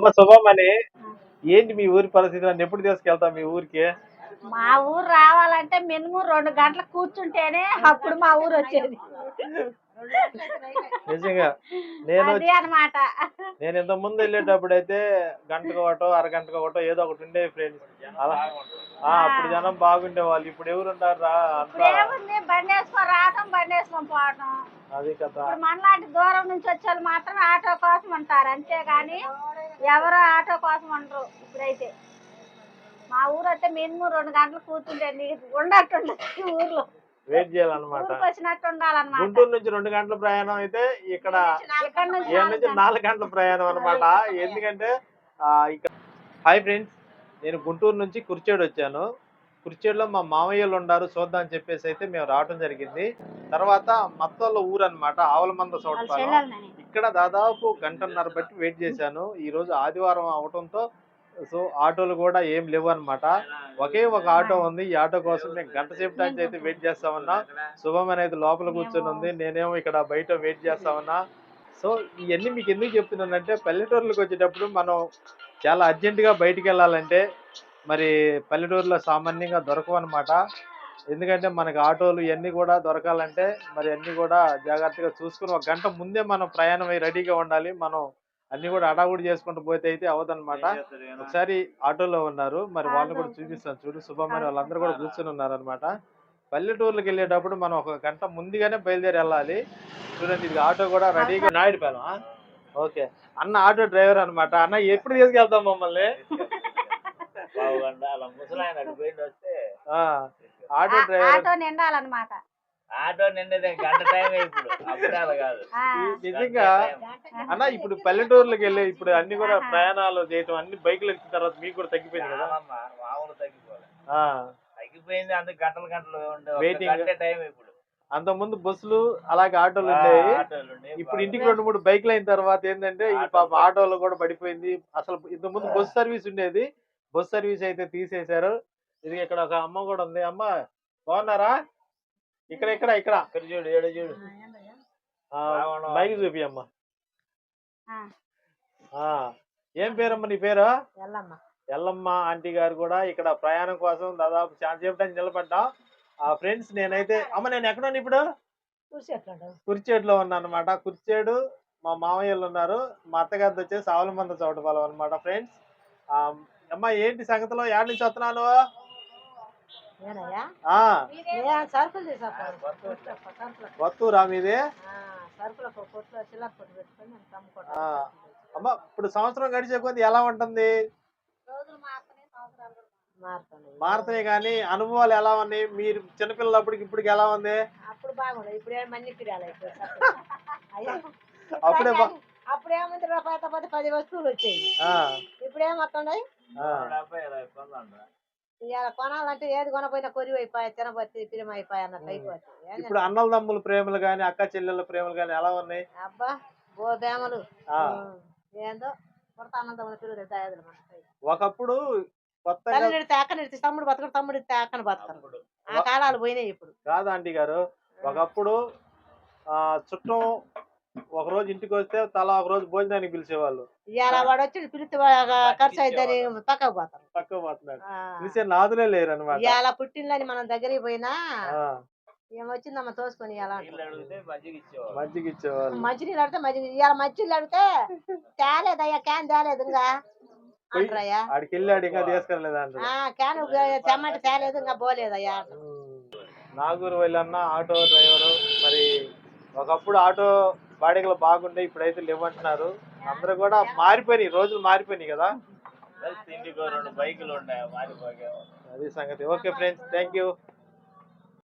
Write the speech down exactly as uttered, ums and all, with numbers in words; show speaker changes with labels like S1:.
S1: అమ్మ శుభమని ఏంటి మీ ఊరి పరిస్థితి నన్ను ఎప్పుడు తీసుకెళ్తాం మీ ఊరికి?
S2: మా ఊరు రావాలంటే మినిమం రెండు గంటలు కూర్చుంటేనే అప్పుడు మా ఊరు వచ్చేది.
S1: నిజంగా నేను
S2: అది అన్నమాట.
S1: నేను ఇంత ముందు వెళ్ళేటప్పుడు అయితే గంటకు ఒకటో అరగంటకు ఒకటో ఏదో ఒకటి ఉండేవి ఫ్రెండ్స్. అలా ఆ అప్పుడు జనం బాగుండే వాళ్ళు. ఇప్పుడు ఎవరున్నారు రా అంతా
S2: ఏముంది బండి వేసుకొని రావటం బండి వేసుకొని పోవటం.
S1: అది కదా.
S2: ఇప్పుడు మనలాంటి దూరం నుంచి వచ్చే వాళ్ళు మాత్రం ఆటో కోసం ఉంటారు, అంతేగాని ఎవరు ఆటో కోసం ఉండరు. ఇప్పుడైతే మా ఊరు అయితే మినిమం రెండు గంటలు కూర్చుంటే నీకు ఉండట్టు ఊర్లో
S1: వెయిట్ చేయాలన్నమాట.
S2: వచ్చినట్టు ఉండాలన్నమాట.
S1: గుంటూరు నుంచి రెండు గంటల ప్రయాణం అయితే ఇక్కడ
S2: ఇక్కడ నుంచి
S1: నుంచి నాలుగు గంటల ప్రయాణం అనమాట. ఎందుకంటే ఇక్కడ హాయ్ ఫ్రెండ్స్, నేను గుంటూరు నుంచి కుర్చేడు వచ్చాను. కుర్చేడులో మా మామయ్యలు ఉన్నారు, చూద్దాం అని చెప్పేసి అయితే మేము రావడం జరిగింది. తర్వాత మత్తోళ్ళ ఊరు అనమాట, ఆవులమంద చోటపాలెం. ఇక్కడ దాదాపు గంటన్నర బట్టి వెయిట్ చేశాను. ఈ రోజు ఆదివారం అవటంతో సో ఆటోలు కూడా ఏం లేవు అనమాట. ఒకే ఒక ఆటో ఉంది. ఈ ఆటో కోసం నేను గంట సేపు నుంచి అయితే వెయిట్ చేస్తామన్నా. శుభం అనేది లోపల కూర్చొని ఉంది, నేనేమో ఇక్కడ బయట వెయిట్ చేస్తామన్నా. సో ఇవన్నీ మీకు ఎందుకు చెప్తున్నానంటే, పల్లెటూర్లకు వచ్చేటప్పుడు మనం చాలా అర్జెంటుగా బయటికి వెళ్ళాలంటే మరి పల్లెటూరులో సామాన్యంగా దొరకవు అనమాట. ఎందుకంటే మనకి ఆటోలు ఇవన్నీ కూడా దొరకాలంటే మరి అన్నీ కూడా జాగ్రత్తగా చూసుకుని ఒక గంట ముందే మనం ప్రయాణం అయ్యి రెడీగా ఉండాలి. మనం అన్ని కూడా అడావుడి చేసుకుంటూ పోతే అయితే అవదనమాట. ఒకసారి ఆటోలో ఉన్నారు, మరి వాళ్ళని కూడా చూపిస్తాను చూడు. శుభమని వాళ్ళందరూ కూడా కూర్చొని ఉన్నారు అనమాట. పల్లెటూర్లకు వెళ్ళేటప్పుడు మనం ఒక గంట ముందుగానే బయలుదేరి వెళ్ళాలి. చూడండి, ఇది ఆటో కూడా రెడీగా నాయుడుపాలెం. ఓకే అన్న ఆటో డ్రైవర్ అనమాట. అన్న ఎప్పుడు తీసుకెళ్తాం మమ్మల్ని? ఆటో డ్రైవర్
S2: ఆటో నిండాలన్నమాట.
S3: ఆటో నిండేదే గంట టైం ఇప్పుడు, అప్పుడే అలా కాదు.
S1: నిజంగా అన్న ఇప్పుడు పల్లెటూర్లకు వెళ్ళి ఇప్పుడు అన్ని కూడా ప్రయాణాలు చేయటం అన్ని బైకులు ఎక్కిన తర్వాత మీకు కూడా తగ్గిపోయింది కదా?
S3: మామూలు తగ్గిపోలే, తగ్గిపోయింది. అందుకు గంటలు గంటలు
S1: వెయిటింగ్
S3: టైం ఇప్పుడు.
S1: అంత ముందు బస్సులు అలాగే ఆటోలు ఉండేవి. ఇప్పుడు ఇంటికి రెండు మూడు బైక్లు అయిన తర్వాత ఏంటంటే ఈ పాప ఆటోలు కూడా పడిపోయింది. అసలు ఇంత ముందు బస్ సర్వీస్ ఉండేది, బస్ సర్వీస్ అయితే తీసేశారు. ఇది ఇక్కడ ఒక అమ్మ కూడా ఉంది. అమ్మ బాగున్నారా? ఇక్కడ ఇక్కడ ఇక్కడ ఇక్కడ చూడు, ఏడు చూడు, బైక్ చూపి అమ్మ. ఏం పేరమ్మ నీ పేరు? ఎల్లమ్మ ఆంటీ గారు కూడా ఇక్కడ ప్రయాణం కోసం దాదాపు చాలా సేపటి నిలబడ్డా. ఆ ఫ్రెండ్స్ నేనైతే అమ్మ నేను ఎక్కడున్నా ఇప్పుడు? కుర్చేడులో ఉన్నా అనమాట. కుర్చేడు మా మామయ్యలు ఉన్నారు, మా అత్తగారితో వచ్చేసి ఆవులమంద చోటపాలెం అనమాట. ఫ్రెండ్స్ అమ్మ ఏంటి సంగతిలో ఏడు నుంచి వస్తున్నాను? వత్తూరా మీది? అమ్మ ఇప్పుడు సంవత్సరం గడిచే కొద్ది ఎలా ఉంటుంది? మారుతున్నాయి కానీ అనుభవాలు ఎలా ఉన్నాయి? మీరు చిన్నపిల్లలప్పటికి ఇప్పటికి ఎలా ఉంది?
S2: అప్పుడు బాగుంది, ఇప్పుడు
S1: అప్పుడే
S2: అప్పుడేముంది రూపాయి పది వస్తువులు వచ్చాయి, ఇప్పుడు ఏమవుతున్నాయి? ఇవాళ కొనాలంటే ఏది కొనపోయినా కొరివి అయిపోయాయి, తినబట్టి పిరిమ అయిపోయి అన్నట్టు అయిపోతాయి.
S1: ఇప్పుడు అన్నల తమ్ముల ప్రేమలు గాని అక్క చెల్లెళ్ళ ప్రేమలు గాని ఎలా ఉన్నాయి?
S2: అబ్బా ఓ ప్రేమలు ఏందో కొడతా అన్నదమ్ముల పిల్లలు దయాదులు.
S1: ఒకప్పుడు కొత్తగా
S2: తేకని తమ్ముడు బతకడు, తమ్ముడు తేకని బతకడు. ఆ కాలాలు పోయినాయి ఇప్పుడు.
S1: కాదు ఆంటీ గారు, ఒకప్పుడు ఆ చుట్టం ఒక రోజు ఇంటికి వస్తే తలా ఒక రోజు భోజనానికి పిలిచేవాళ్ళు.
S2: ఇలా వాడు వచ్చి పిలిచి ఖర్చు అయిద్దని పక్కకు పోతారు,
S1: పక్కకు పోతున్నాడు. పిలిచే నాదులే లేరు అనమాట.
S2: ఇలా పుట్టినని మనం దగ్గరికి పోయినా ఏమొచ్చిందమ్మ తోసుకొని ఇలా
S1: మజ్జిగ ఇచ్చేవాళ్ళు.
S2: మంచినీళ్ళు అడితే మజ్జిగ, ఇలా మంచినీళ్ళు అడితే తేలేదయ్యా, క్యాన్ తేలేదు ఇంకా అంటారయ్యా.
S1: ఆడికి వెళ్ళాడు ఇంకా తీసుకెళ్ళలేదా?
S2: క్యాన్ తెమ్మంటే తేలేదు ఇంకా పోలేదయ్యా.
S1: నాగూరు వెళ్ళన్న ఆటో డ్రైవరు. మరి ఒకప్పుడు ఆటో బాడీలు బాగుండే, ఇప్పుడైతే లేవంటున్నారు. అందరూ కూడా మారిపోయినాయి, రోజులు మారిపోయినాయి కదా.
S3: ఇంటికి రెండు బైకులు ఉన్నాయి, మారిపోయాయి.
S1: అది సంగతి. Okay friends, thank you.